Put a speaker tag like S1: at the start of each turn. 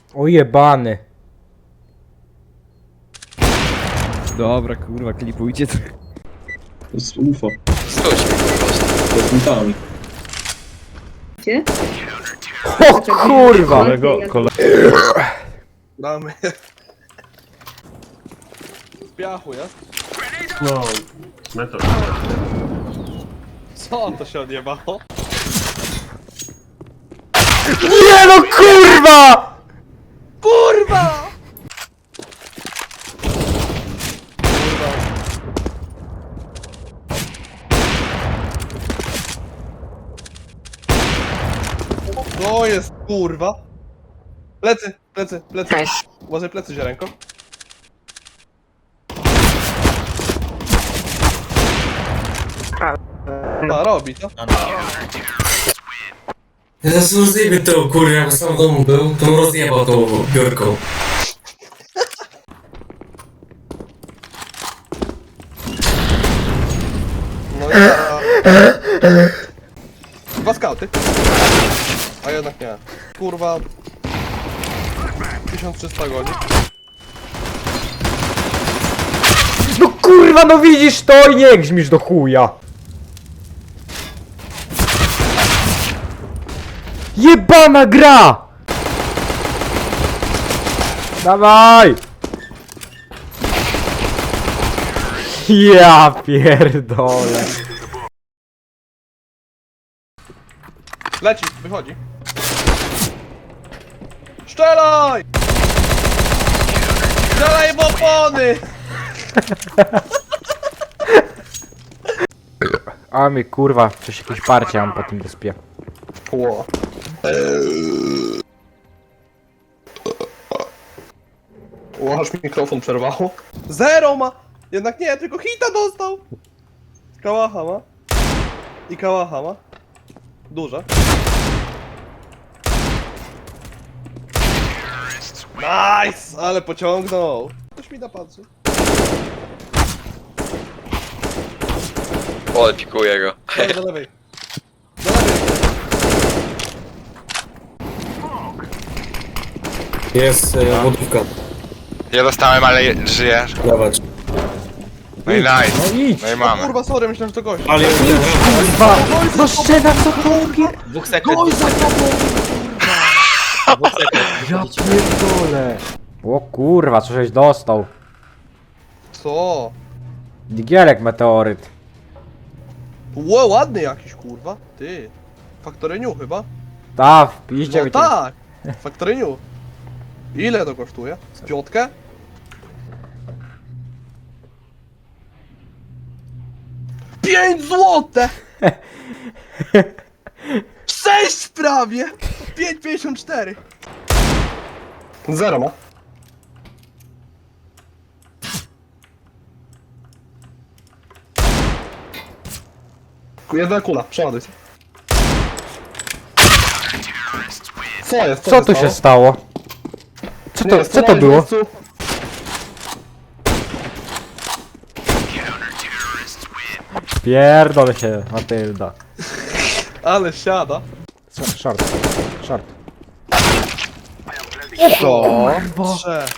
S1: Ojebany.
S2: Dobra, kurwa, klipujcie to.
S3: To jest UFO.
S4: Schodźmy po prostu.
S3: To jest metami.
S5: Gdzie?
S1: O kurwa!
S6: Damy. Z piachu, jest?
S7: No, metal.
S6: Co to się odjebało?
S1: Nie no kurwa!
S6: Kurwa! To jest kurwa. Plecy, plecy, plecy. Uważaj plecy, ziarenko. A, robi to.
S8: Zaraz rozjebie to kurwa, jak sam w domu był, to rozjebał tą biurką.
S6: No ja... Dwa skauty. A jednak nie. Kurwa... 1300 godzin.
S1: No kurwa, no widzisz to i nie grzmisz do chuja. Jebana gra! Dawaj! Ja pierdolę.
S6: Leci, wychodzi. Strzelaj! Strzelaj w opony!
S1: A mi kurwa, coś jakieś parcie mam po tym wyspie.
S6: Ło. Ło, aż mikrofon przerwało. Zero ma! Jednak nie, tylko hita dostał! Kałacha ma. I kałacha ma. Duża. Nice! Ale pociągnął. Ktoś mi napatrzy.
S4: O, pikuję go.
S6: Dawaj, do lewej. Do lewej.
S8: Jest wodówka,
S4: Ja dostałem, ale żyję.
S8: dawać.
S4: No i nice.
S1: No idź!
S4: No i mamy.
S6: Kurwa, sorry, myślałem, że to gość.
S8: Ale
S1: Kurwa! No szczena, co to pier...
S7: Dwóch sekret.
S1: Ja pierdolę! O kurwa, coś dostał.
S6: Co?
S1: Digielek meteoryt.
S6: Ło, ładny jakiś, kurwa. Ty. Faktoryniu chyba?
S1: Ta, wpiszcie
S6: No
S1: mi to.
S6: tak! Faktoryniu. Ile to kosztuje? Z piątkę? Pięć złote! 6 prawie! 5,54. Zero ma. Jedna kula, przeładuj się. Co jest?
S1: Co tu się stało? Co to było? Pierdolę się, Matylda.
S6: Ale siada.
S1: Short. Short.
S6: Co? Trzech.